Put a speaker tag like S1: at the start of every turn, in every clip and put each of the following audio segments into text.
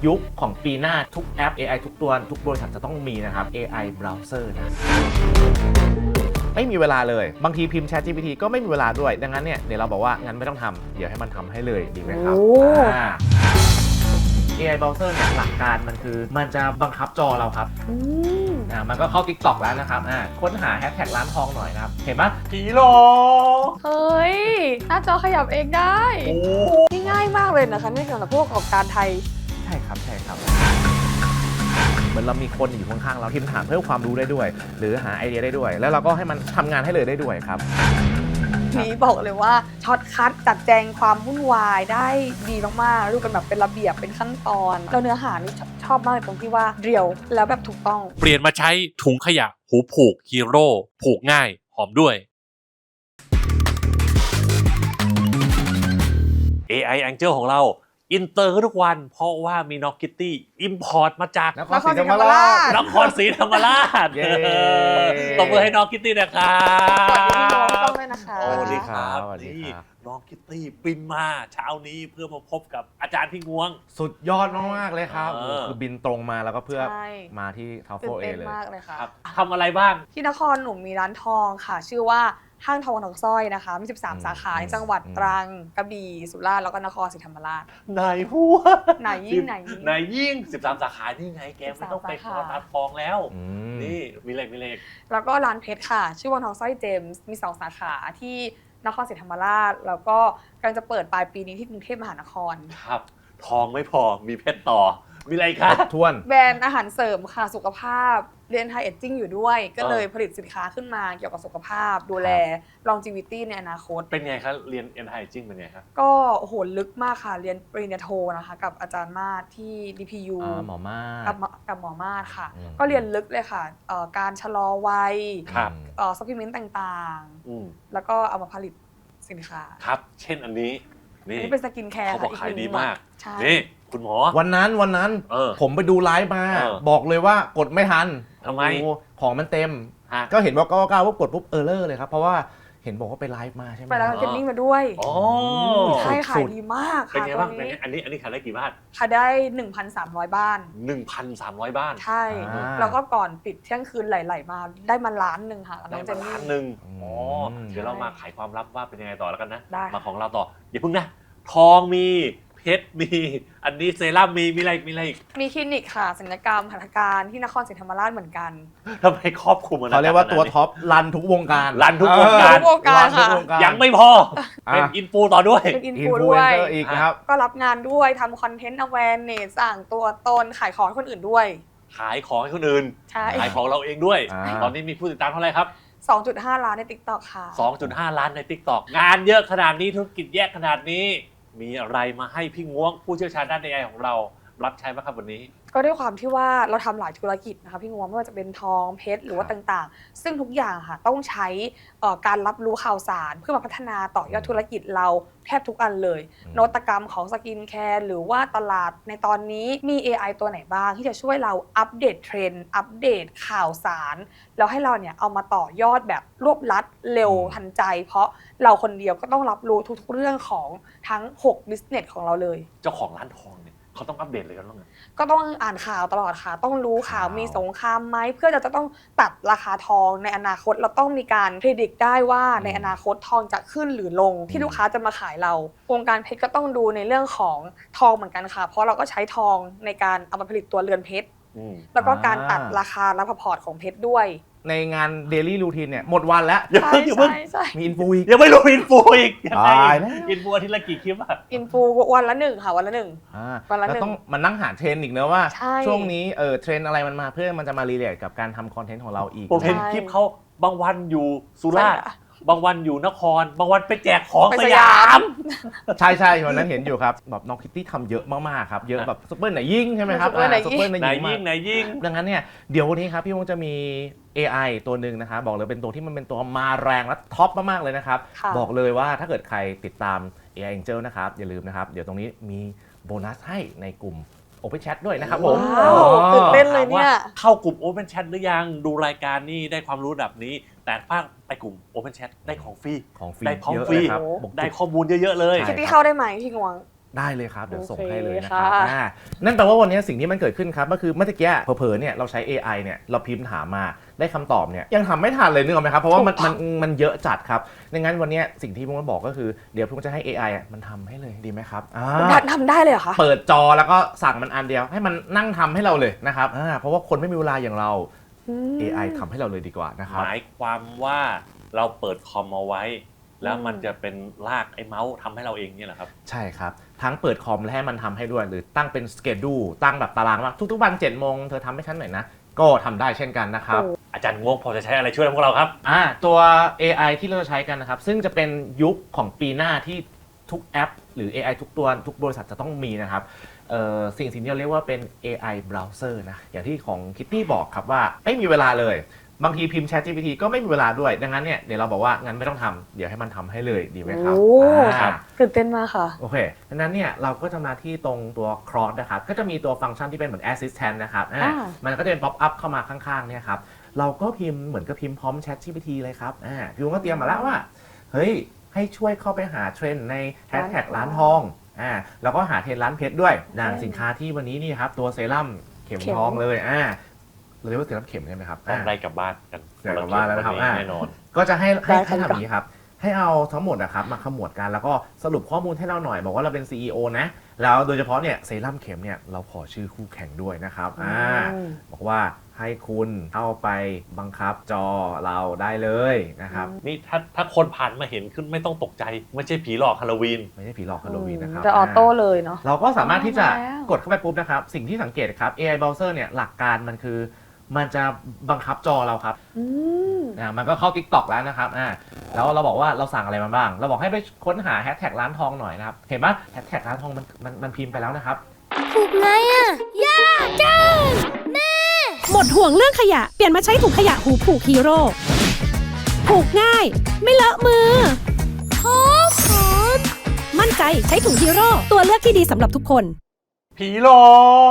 S1: ยุคของปีหน้าทุกแอป AI ทุกตัวทุกบริษัทจะต้องมีนะครับ AI browser นะไม่มีเวลาเลยบางทีพิมพ์ ChatGPT ก็ไม่มีเวลาด้วยดังนั้นเนี่ยเดี๋ยวเราบอกว่างั้นไม่ต้องทำเดี๋ยวให้มันทำให้เลยดีไหมครับAI browser เนี่ยหลักการมันคือมันจะบังคับจอเราครับมันก็เข้า TikTok แล้วนะครับค้นหาแฮชแท็กร้านทองหน่อยนะครับเห็นปะกิโล
S2: เฮ้ยหน้าจอขยับเองได้นี่ง่ายมากเลยนะคะนี่สำหรับผู้ประกอบการไทย
S1: ใช่ครับเหมือนเรามีคนอยู่ข้างๆเราที่ถามเพิ่มความรู้ได้ด้วยหรือหาไอเดียได้ด้วยแล้วเราก็ให้มันทำงานให้เลยได้ด้วยครับ
S2: นี้บอกเลยว่าช็อตคัทจัดแจงความวุ่นวายได้ดีมากๆดูกันแบบเป็นระเบียบเป็นขั้นตอนแล้วเนื้อหานี่ชอบมากตรงที่ว่าเรียวแล้วแบบถูกต้อง
S3: เปลี่ยนมาใช้ถุงขยะหูผูกฮีโร่ผูกง่ายหอมด้วย AI Angel ของเราอินเตอร์ทุกวันเพราะว่ามีน็อกกิตตี้อิมพอร์ตมาจาก
S1: นครศรีธรรมราช
S3: นครศรีธรรมราชตบมือให้น็อกกิตตี้นะครับ
S2: สวัสดีพี่น้องต้องเลยนะคะ
S3: สวัสดีครับนี่น็อกกิตตี้บินมาเช้านี้เพื่อมาพบกับอาจารย์พี่งวง
S1: สุดยอดมากๆเลยครับคือบินตรงมาแล้วก็เพื่อมาที่ทาวเฟลเอเลย
S2: มากเลยค่ะ
S3: ทำอะไรบ้าง
S2: ที่นครหนูมีร้านทองค่ะชื่อว่าห้างทองสร้อยนะคะมี13 สาขาในจังหวัดตรังกระบี่สุราษฎร์แล้วก็นครศรีธรรมราช
S3: นายหัว
S2: ไหนยิ่ง
S3: 13 สาขานี่ไงแกไม่ต้องไปขอตาทองแล้วนี่มีเลข
S2: แล้วก็ร้านเพชรค่ะชื่อวังทองสร้อยเจมส์มี2 สาขาที่นครศรีธรรมราชแล้วก็กำลังจะเปิดปลายปีนี้ที่กรุงเทพมหานคร
S3: ครับทองไม่พอมีเพชรต่อมีอะไรคะ
S1: ทวน
S2: แบรนด์อาหารเสริมค่ะสุขภาพเรียนไทยเอจจิ้งอยู่ด้วยก็เลยผลิตสินค้าขึ้นมาเกี่ยวกับสุขภาพดูแล longevity ในอนาคต
S3: เป็นไงครับเรียนไทยเอจจิ้งเป็นไงครับ
S2: ก็โอ้โหลึกมากค่ะเรียนปริญญาโทนะคะกับอาจารย์มาศที่ DPU
S1: หมอมาศ
S2: กับหมอมาศค่ะก็เรียนลึกเลยค่ะการชะลอวัยซัพพลิเมนต์ต่างๆแล้วก็เอามาผลิตสินค้า
S3: ครับเช่นอันนี้
S2: นี่เป็นสกินแคร์
S3: เขาบอกขายดีมากนี่คุณหมอ
S1: วันนั้นผมไปดูไลฟ์มาบอกเลยว่ากดไม่ทัน
S3: ทำไม
S1: ของมันเต็มก็เห็นว่าก้าวว่ากดปุ๊บเออร์เลอร์เลยครับเพราะว่าเห็นบอกว่าไปไลฟ์มาใช่ไหม
S2: ไปแล้วเทรนนิ่งมาด้วยใช่ขายดีมากค่ะ
S3: เป็นไงบ้างอันนี้ขายได้กี่บ้าน
S2: ขายได้ 1,300 บ้าน
S3: 1,300 บ้าน
S2: ใช่แล้วก็ก่อนปิดเที่ยงคืนไหลๆมาได้มาล้านหนึ่งค่ะ
S3: ได้มาล้านหนึ่งเดี๋ยวเรามาขายความลับว่าเป็นยังไงต่อแล้วกันนะมาของเราต่ออย่าเพิ่งนะทองมีเพชรมีอันนี้เซรั่มมีอะไรอีก
S2: มีคลินิกค่ะศัลยกรรมหัตถการที่นครศรีธรรมราชเหมือนกัน
S3: ทำไมครอบคลุม
S1: เขาเรียกว่าตัวท็อปรันทุกวงการ
S2: ค่ะ
S3: ยังไม่พอเป็นอินฟูต่อด้วย
S2: เป็นอินฟูด้วย
S1: อีกครับ
S2: ก็รับงานด้วยทำคอนเทนต์ awareness สร้างตัวตนขายของให้คนอื่นด้วย
S3: ขายของให้คนอื่นขายของเราเองด้วยตอนนี้มีผู้ติดตามเท่าไหร่ครับ
S2: 2.5 ล้านใน TikTok ค่ะ
S3: 2.5 ล้านใน TikTok งานเยอะขนาดนี้ธุรกิจแยกขนาดนี้มีอะไรมาให้พี่ง้วงผู้เชี่ยวชาญด้าน AI ของเรารับใช้บ้างครับวันนี้
S2: ก็ด้วยความที่ว่าเราทำหลายธุรกิจนะคะพี่ง้วงไม่ว่าจะเป็นทองเพชรหรือว่าต่างๆซึ่งทุกอย่างค่ะต้องใช้การรับรู้ข่าวสารเพื่อมาพัฒนาต่อยอดธุรกิจเราแทบทุกอันเลยนวัตกรรมของสกินแคร์หรือว่าตลาดในตอนนี้มี AI ตัวไหนบ้างที่จะช่วยเราอัปเดตเทรนด์อัปเดตข่าวสารแล้วให้เราเนี่ยเอามาต่อยอดแบบรวบลัดเร็วทันใจเพราะเราคนเดียวก็ต้องรับรู้ทุกๆเรื่องของทั้ง6 business ของเราเลย
S3: เจ้าของร้านทองเนี่ยเขาต้องอัปเดตเลยกันบ้าง
S2: ก็ต้องอ่านข่าวตลอดค่ะต้องรู้ข่าวมีสงครามไหมเพื่อจะต้องตัดราคาทองในอนาคตเราต้องมีการพิจิตรได้ว่าในอนาคตทองจะขึ้นหรือลงที่ลูกค้าจะมาขายเราวงการเพชรก็ต้องดูในเรื่องของทองเหมือนกันค่ะเพราะเราก็ใช้ทองในการเอามาผลิตตัวเรือนเพชรแล้วก็การตัดราคาและพอร์ตของเพชรด้วย
S1: ในงานเดลี่รูทีนเนี่ยหมดวันแล้ว
S2: ใช่
S1: มีอินฟูอีก
S3: ยังไม่รู้อินฟูอีกอินฟูอาทิตย์ละกี่คลิปอะ
S2: อินฟูวันละ1ค่ะวันละ1
S1: วันละ1ต้องมานั่งหาเทรนอีกเนอะว่าช่วงนี้เทรนอะไรมันมาเพื่อมันจะมารีเลทกับการทำคอนเทนต์ของเราอีก
S3: ผมเห็นคลิปเขาบางวันอยู่สุราษฎร์บางวันอยู่นครบางวันไปแจกของสยาม
S1: ใช่วันนั้นเห็นอยู่ครับแบบน้องคิตตี้ทำเยอะมากๆครับเยอะแบบซุปเปอร์ไหนยิ่งใช่ไหมครับซุปเปอร์ไหน
S3: ยิ่ง
S1: ดังนั้นเนี่ยเดี๋ยววันนี้ครับพี่วงจะมี AI ตัวหนึ่งนะครับบอกเลยเป็นตัวที่มันเป็นตัวมาแรงและท็อปมากๆเลยนะครับบอกเลยว่าถ้าเกิดใครติดตาม AI Angel นะครับอย่าลืมนะครับเดี๋ยวตรงนี้มีโบนัสให้ในกลุ่ม Open Chat ด้วยนะครับผม
S2: ตื่นเต้นเลยเนี่ย
S3: เข้ากลุ่ม Open Chat หรือยังดูรายการนี่ได้ความรู้แบบนี้แต่ถ้าไปกลุ่ม Open Chat ได้ของฟรีได้ของฟรีได้ข้อมูลเยอะๆเลย
S2: คิดที่เข้าได้ไหมพี่งวง
S1: ได้เลยครับเดี๋ยวส่ง
S2: โอเค
S1: ให้เลยนะครับ
S2: ค่ะ
S1: นั่นแปลว่าวันนี้สิ่งที่มันเกิดขึ้นครับก็คือเมื่อกี้เผลอๆเนี่ยเราใช้ AI เนี่ยเราพิมพ์ถามมาได้คำตอบเนี่ยยังทำไม่ทันเลยนึกออกไหมครับเพราะว่ามันเยอะจัดครับดังนั้นวันนี้สิ่งที่ผมจะบอกก็คือเดี๋ยวผมจะให้ AI อ่ะมันทำให้เลยดีไหมครับ
S2: ทำได้เลยเหรอคะ
S1: เปิดจอแล้วก็สั่งมันอันเดียวให้มันนั่งทำให้เราเลยนะครับเพราะว่าคนไม่มีเวลาอย่างเรา AI ทำให้เราเลยดีกว่านะครับ
S3: หมายความว่าเราเปิดคอมเอาไว้ แล้วมันจะเป็นลากไอ้เมาส์ทำให้เราเองเนี่ยเหรอครับ
S1: ใช่ครับทั้งเปิดคอมและให้มันทำให้ด้วยหรือตั้งเป็นสเกดูตั้งแบบตารางว่าทุกๆวัน7 โมงเธอทำให้ฉันหน่อยนะก็ทำได้เช่นกันนะครับ
S3: อาจารย์งวงพอจะใช้อะไรช่วยพวกเราครับ
S1: ตัว AI ที่เราจะใช้กันนะครับซึ่งจะเป็นยุคของปีหน้าที่ทุกแอป หรือ AI ทุกตัวทุกบริษัทจะต้องมีนะครับสิ่งที่เราเรียกว่าเป็น AI browser นะอย่างที่ของ Kitty บอกครับว่าไม่มีเวลาเลยบางทีพิมพ์ ChatGPT ก็ไม่มีเวลาด้วยดังนั้นเนี่ยเดี๋ยวเราบอกว่างั้นไม่ต้องทำเดี๋ยวให้มันทำให้เลยดีไหมครับ
S2: โอ้
S1: ครับ
S2: ตื่นเต้นมากค่ะ
S1: โอเคดังนั้นเนี่ยเราก็จะมาที่ตรงตัว cross นะครับก็จะมีตัวฟังก์ชันที่เป็นเหมือน assistant นะครับมันก็จะเป็น pop up เข้ามาข้างๆเนี่ยครับเราก็พิมพ์เหมือนกับพิมพ์พร้อม ChatGPT เลยครับพี่วงก็เตรียมมาแล้วว่าเฮ้ยให้ช่วยเข้าไปหาเทรนด์ในแฮชแท็กร้านทองแล้วก็หาเทรนด์ร้านเพชรด้วยอย่างสินค้าที่วันนี้นี่ครับตัวเซรั่มเข็มทองเลยเราเรียกว่าเซรั่มเข็มใช่ไหมครับ
S3: ต้องได้กลับบ้านกัน
S1: ได้กลับบ้านแล้วนะครับ
S3: แน่นอน
S1: ก็จะให้
S2: ได้ค่ะ
S1: ทำอย่างนี้ครับให้เอาทั้งหมดนะครับมาขมวดกันแล้วก็สรุปข้อมูลให้เราหน่อยบอกว่าเราเป็น CEO นะแล้วโดยเฉพาะเนี่ยเซรั่มเข็มเนี่ยเราขอชื่อคู่แข่งด้วยนะครับบอกว่าให้คุณเข้าไปบังคับจอเราได้เลยนะครับ
S3: นี่ถ้าคนผ่านมาเห็นขึ้นไม่ต้องตกใจไม่ใช่ผีหลอกฮาโลวีน
S1: ไม่ใช่ผีหลอกฮาโลวีนนะครับ
S2: จะออโต้เลยเนาะ
S1: เราก็สามารถที่จะ
S2: แล้ว
S1: กดเข้าไปปุ๊บนะครับสิ่งที่สังเกตครับ AI browser เนี่ยหลักการมันคือมันจะบังคับจอเราครับ มันก็เข้า TikTok แล้วนะครับแล้วเราบอกว่าเราสั่งอะไรมาบ้าง เราบอกให้ไปค้นหาแฮชแท็กร้านทองหน่อยนะครับ เห็นปะแฮชแท็กร้านทองมันพิมพ์ไปแล้วนะครับ
S4: ผูกไงอะยากจังแม่ หมดห่วงเรื่องขยะ เปลี่ยนมาใช้ถุงขยะหูผูกฮีโร่ ผูกง่าย ไม่เลอะมือหอมมั่นใจใช้ถุงฮีโร่ ตัวเลือกที่ดีสำหรับทุกคน
S3: ผีหลอก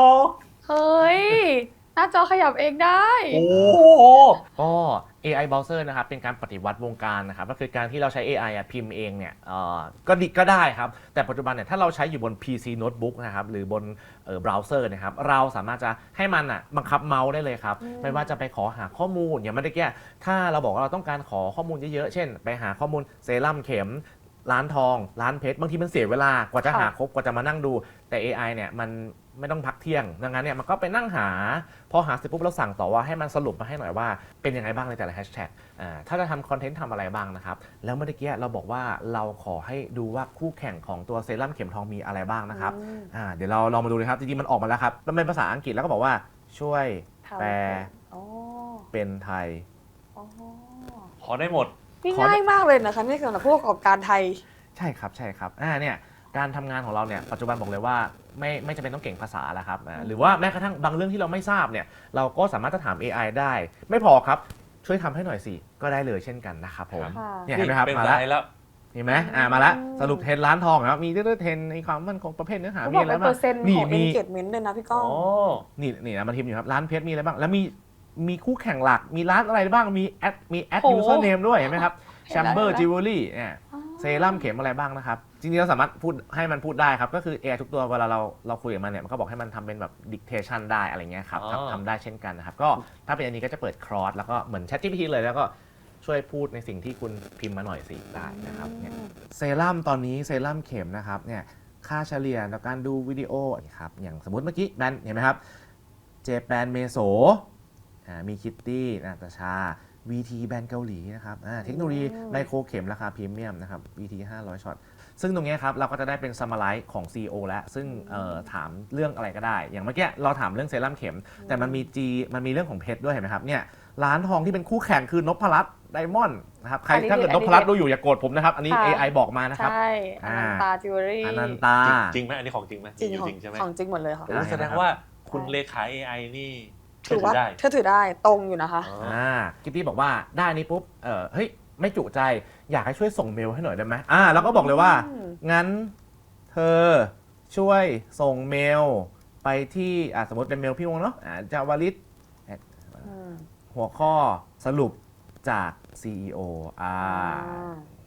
S2: เฮ้ย หน้าจอขยับเองได้
S3: โอ้
S1: ก็ AI browser นะครับเป็นการปฏิวัติวงการนะครับก็คือการที่เราใช้ AI พิมพ์เองเนี่ยก็ได้ครับแต่ปัจจุบันเนี่ยถ้าเราใช้อยู่บน PC Notebook นะครับหรือบนเบราว์เซอร์นะครับเราสามารถจะให้มันบังคับเมาส์ได้เลยครับไม่ว่าจะไปขอหาข้อมูลอย่างเมื่อกี้ถ้าเราบอกว่าเราต้องการขอข้อมูลเยอะๆเช่นไปหาข้อมูลเซรั่มเข็มร้านทองร้านเพชรบางทีมันเสียเวลากว่าจะหาครบกว่าจะมานั่งดูแต่ AI เนี่ยมันไม่ต้องพักเที่ยงดังนั้นเนี่ยมันก็ไปนั่งหาพอหาเสร็จปุ๊บเราสั่งต่อว่าให้มันสรุปมาให้หน่อยว่าเป็นยังไงบ้างในแต่ละแฮชแท็กถ้าจะทำคอนเทนต์ทำอะไรบ้างนะครับแล้วเมื่อกี้เราบอกว่าเราขอให้ดูว่าคู่แข่งของตัวเซรั่มเข็มทองมีอะไรบ้างนะครับเดี๋ยวเราลองมาดูนะครับจริงๆมันออกมาแล้วครับมันเป็นภาษาอังกฤษแล้วก็บอกว่าช่วยแปลเป็นไทย
S3: ขอได้หมด
S2: นี่ง่ายมากเลยนะคะนี่สำหรับผู้ประกอบการไทย
S1: ใช่ครับใช่ครับเนี่ยการทำงานของเราเนี่ยปัจจุบันบอกเลยว่าไม่จำเป็นต้องเก่งภาษาแล้วครับหรือว่าแม้กระทั่งบางเรื่องที่เราไม่ทราบเนี่ยเราก็สามารถจะถาม AI ได้ ไม่พอครับช่วยทำให้หน่อยสิก็ได้เลยเช่นกันนะครับผม
S2: ค่ะ
S1: เนี่ยเห็นไหมครับ
S3: เป็น
S1: มา
S3: ไร
S1: แล้ว
S3: แล้ว
S1: เห็นไหมมาแล้วสรุปเทรนด์ร้านทองครับมีเรื่องเทรนด์ในความมั่นคงประเภทเนื้อหา
S2: เขา
S1: มี
S2: บอก
S1: อะไร
S2: เป็น
S1: บ้า
S2: เปอง ร์เซ็นต์
S1: นี่
S2: ของ
S1: มี
S2: engagement ด้วยนะพี่ก้อง
S1: นี่นะมันพิมพ์อยู่ครับร้านเพชรมีอะไรบ้างแล้วมีคู่แข่งหลักมีร้านอะไรบ้างมีแอด
S2: โอ้
S1: user name ด้วยเห็นไหมครับ
S2: เห็นแล้ว
S1: Chamber
S2: เห็นแล้ว
S1: Jewelry เซรั่มเข็มอะไรบ้างนะครับจริงๆเราสามารถพูดให้มันพูดได้ครับก็คือ AI ทุกตัวเวลาเราคุยกับมันเนี่ยมันก็บอกให้มันทำเป็นแบบ dictation ได้อะไรเงี้ยครับทำได้เช่นกันนะครับก็ถ้าเป็นอันนี้ก็จะเปิด cross แล้วก็เหมือน ChatGPT เลยแล้วก็ช่วยพูดในสิ่งที่คุณพิมพ์มาหน่อยสิได้นะครับเนี่ยเซรั่มตอนนี้เซรั่มเข็มนะครับเนี่ยค่าเฉลี่ยในการดูวิดีโอครับอย่างสมมติเมื่อกี้แบรนด์เห็นไหมครับเจแปนเมโซมีคิตตี้นาตาชา VT แบรนด์เกาหลีนะครับเทคโนโลยีไมโครเข็มราคาพรีเมียมนะครับ VT 500ช็อตซึ่งตรงนี้ครับเราก็จะได้เป็น summarize ของ CEO แล้วซึ่งถามเรื่องอะไรก็ได้อย่างเมื่อกี้เราถามเรื่องเซรั่มเข็มแต่มันมีเรื่องของเพชรด้วยเห็นไหมครับเนี่ยร้านทองที่เป็นคู่แข่งคือนพรัตน์ไดมอนด์นะครับใครถ้าเกิดนพรัตน์ดูอยู่อย่าโกรธผมนะครับอันนี้ AI บอกมานะครับ
S2: ใช่อนันตาจิวเวลรี่
S1: อนันตา
S3: จริงไหมอันนี้ของจริงไหม
S2: จริง
S3: อยู่จริงใช่ไหม
S2: ของจริงหมดเลยค่ะ
S3: โอ้แสดงว่าคุณเลขา AI นี่
S2: ถือว่า
S3: ได้
S2: เธอถือได้ตรงอยู่นะคะ
S1: กิตตี้บอกว่าได้นี้ปุ๊บเฮ้ยไม่จุใจอยากให้ช่วยส่งเมลให้หน่อยได้ไหมแล้วก็บอกเลยว่างั้นเธอช่วยส่งเมลไปที่สมมติเป็นเมลพี่วงเนาะจาวลิตหัวข้อสรุปจาก CEO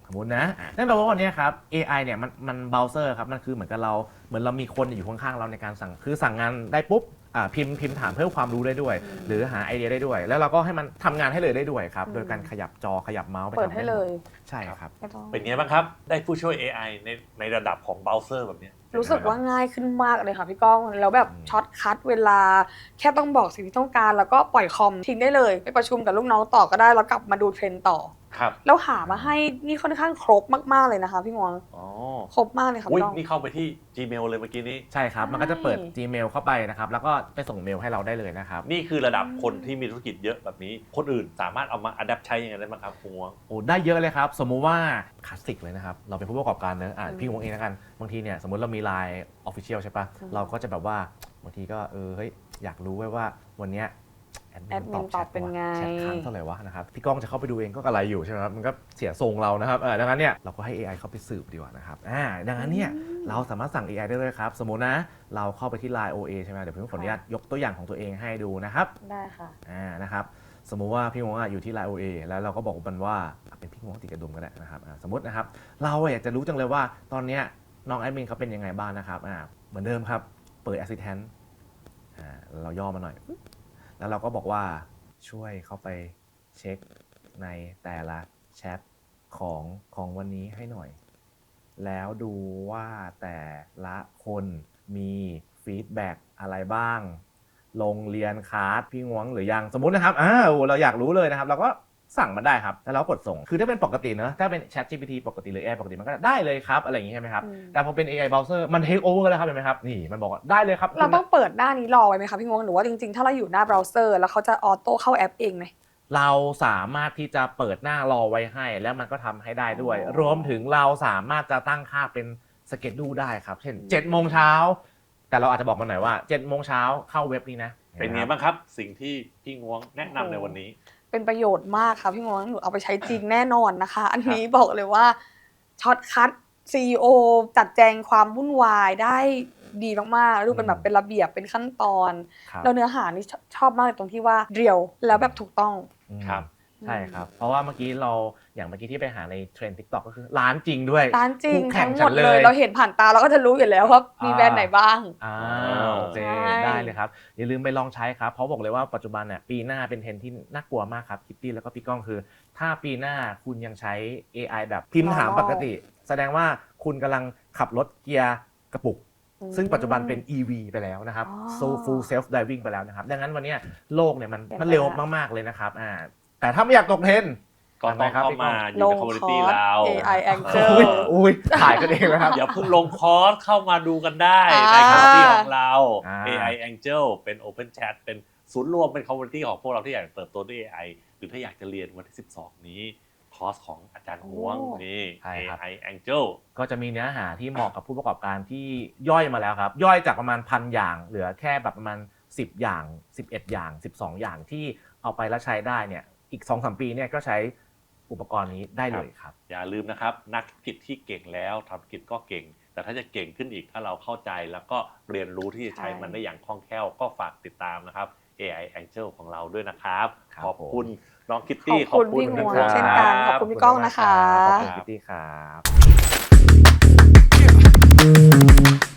S1: สมมตินะนั่นแปลว่าวันนี้ครับ AI เนี่ยมันเบราว์เซอร์ครับมันคือเหมือนกับเราเหมือนเรามีคนอยู่ข้างๆเราในการสั่งคือสั่งงานได้ปุ๊บพิมพ์ถามเพิ่มความรู้ได้ด้วย หรือหาไอเดียได้ด้วย แล้วเราก็ให้มันทำงานให้เลยได้ด้วยครับโดยการขยับจอขยับเมาส์ไป
S2: เปิดให้เลย
S1: ใช่ครับ
S3: เป็นไงบ้างครับ ได้ผู้ช่วย AI ในระดับของเบราว์เซอร์แบบนี้
S2: รู้สึกว่าง่ายขึ้นมากเลยค่ะพี่ก้องแล้วแบบช็อตคัทเวลาแค่ต้องบอกสิ่งที่ต้องการแล้วก็ปล่อยคอมทิ้งได้เลยไปประชุมกับลูกน้องต่อก็ได้แล้วกลับมาดูเทรนด์ต่อ
S3: ครับ
S2: แล้วหามาให้นี่ค่อนข้างครบมากๆเลยนะคะพี่งวง
S3: อ๋อ
S2: ครบมากเลยค่ะ
S3: อุ้ย
S2: พี่ก้อง
S3: นี่เข้าไปที่ Gmail เลยเมื่อกี้นี้
S1: ใช่ครับ มันก็จะเปิด
S2: ใช่
S1: Gmail เข้าไปนะครับแล้วก็ไปส่งเมลให้เราได้เลยนะครับ
S3: นี่คือระดับคนที่มีธุรกิจเยอะแบบนี้ คนอื่นสามารถเอามาอัดแอปใช้ยังไงได้บ้างครับคุณงวง
S1: โอ้ได้เยอะเลยครับสมมุติว่าคลาสสิกเลยนะครับเราเป็นผู้ประกอบการเนอะพี่วงเองแล้วกันบางทีเนี่ยสมมติเรามี Line Official ใช่ปะเราก็จะแบบว่าบางทีก็เฮ้ยอยากรู้ไว้ว่าวันเนี้ยแอดมินตอบ
S2: เป็นไง
S1: แชทค้างเท่าไหร่วะนะครับพี่ก้องจะเข้าไปดูเองก็กระไรอยู่ใช่ไหมครับมันก็เสียทรงเรานะครับดังนั้นเนี่ยเราก็ให้ AI เข้าไปสืบดีกว่านะครับดังนั้นเนี่ยเราสามารถสั่ง AI ได้เลยครับสมมุตินะเราเข้าไปที่ Line OA ใช่ไหมเดี๋ยวพี่ขออนุญาตยกตัวอย่างของตัวเองให้ดูนะครับ
S2: ได้ค่ะ
S1: นะครับสมมุติว่าพี่งวงอยู่ที่ Line OA แล้วเราก็บอกมันว่าเป็นพี่งวงติดกระดุมก็ได้นะครับสมมตินะครับเราอยากจะรู้จังเลยว่าตอนเนี้ยน้องแอดมินเขาเป็นยังไงบ้างนะครับเหมือนเดิมครับเปิด Assistant เราย่อมาหน่อยแล้วเราก็บอกว่าช่วยเข้าไปเช็คในแต่ละแชทของวันนี้ให้หน่อยแล้วดูว่าแต่ละคนมีฟีดแบ็กอะไรบ้างลงเรียนคลาสพี่งวงหรือยังสมมุตินะครับเราอยากรู้เลยนะครับเราก็สั่งมันได้ครับแล้วเรากดส่งคือถ้าเป็นปกติเนอะถ้าเป็น ChatGPT ปกติหรือ AI ปกติมันก็ได้เลยครับอะไรอย่างงี้ใช่ไหมครับแต่พอเป็น AI browser มัน take over แล้วครับเห็นไหมครับนี่มันบอกว่าได้เลยครับ
S2: เราต้องเปิดหน้านี้รอไว้ไหมคะพี่งวงหรือว่าจริงๆถ้าเราอยู่หน้าเบราว์เซอร์แล้วเขาจะออโต้เข้าแอปเองไหม
S1: เราสามารถที่จะเปิดหน้ารอไว้ให้แล้วมันก็ทำให้ได้ด้วยรวมถึงเราสามารถจะตั้งค่าเป็นสเกจดูได้ครับเช่น 7 โมงเช้าแต่เราอาจจะบอกมันหน่อยว่า 7 โมงเช้าเข้าเว็บนี้นะ
S3: เป็นไงบ้างครับสิ่งที่พี่งวงแนะนำในวันนี้
S2: เป็นประโยชน์มากค่ะพี่งวงหนูเอาไปใช้จริงแน่นอนนะคะ อันนี้บอกเลยว่าช็อตคัท CEO จัดแจงความวุ่นวายได้ดีมากๆดูเป็นแบบเป็นระเบียบเป็นขั้นตอนแล้วเนื้อหานี่ชอบมากตรงที่ว่าเรียวแล้วแบบถูกต้อง
S3: ครับ
S1: ใช่ครับเพราะว่าเมื่อกี้เราอย่างเมื่อกี้ที่ไปหาในเทรนด์ TikTok ก็คือร้านจริงด้วย
S2: ร้านจริง
S1: คู่แข่
S2: ทั้
S1: ง
S2: งห
S1: ฉั
S2: ม
S1: น
S2: ด
S1: เล
S2: เลย ยเราเห็นผ่านตาเราก็จะรู้อยู่แล้วว่ามีแบรนด์ไหนบ้าง
S1: โอเคได้เลยครับอย่าลืมไปลองใช้ครับเพราะบอกเลยว่าปัจจุบันเนี่ยปีหน้าเป็นเทรนด์ที่น่ากลัวมากครับคิตตี้แล้วก็พี่ก้องคือถ้าปีหน้าคุณยังใช้ AI แบบพิมพ์ถามปกติแสดงว่าคุณกำลังขับรถเกียร์กระปุกซึ่งปัจจุบันเป็น EV ไปแล้วนะครับ full self driving ไปแล้วนะครับดังนั้นวันนี้โลกเนี่ยมันเร็วมากๆเลยนะครับแต่ถ้าไม่อยากตกเทรนด์
S3: ก็ต้องเข้ามาอยู่ในคอมมูนิตี้เรา
S2: AI Angel
S1: อุ้ยถ่ายกันเองนะครับ
S3: อย่าเพิ่งลงคอร์สเข้ามาดูกันได้ในคอมมูนิตี้ของเรา AI Angel เป็น Open Chat เป็นศูนย์รวมเป็นคอมมูนิตี้ของพวกเราที่อยากเติบโตด้วย AI หรือถ้าอยากจะเรียนวันที่ 12 นี้คอร์สของอาจารย์หวงนี่ AI Angel
S1: ก็จะมีเนื้อหาที่เหมาะกับผู้ประกอบการที่ย่อยมาแล้วครับย่อยจากประมาณ 1,000 อย่างเหลือแค่แบบประมาณ10 อย่าง11 อย่าง12 อย่างที่เอาไปแล้วใช้ได้เนี่ยอีก 2-3 ปีเนี่ยก็ใช้อุปกรณ์นี้ได้เลยครับ
S3: อย่าลืมนะครับนักธุรกิจที่เก่งแล้วทำธุรกิจก็เก่งแต่ถ้าจะเก่งขึ้นอีกถ้าเราเข้าใจแล้วก็เรียนรู้ที่จะใช้มันได้อย่างคล่องแคล่วก็ฝากติดตามนะครับ AI Angel ของเราด้วยนะครับขอบคุณน้องคิตตี้
S2: ขอบคุณพี่งวงเช่นกันขอบคุณพี่ก้องนะคะ
S1: ขอบคุณคิตตี้ครับ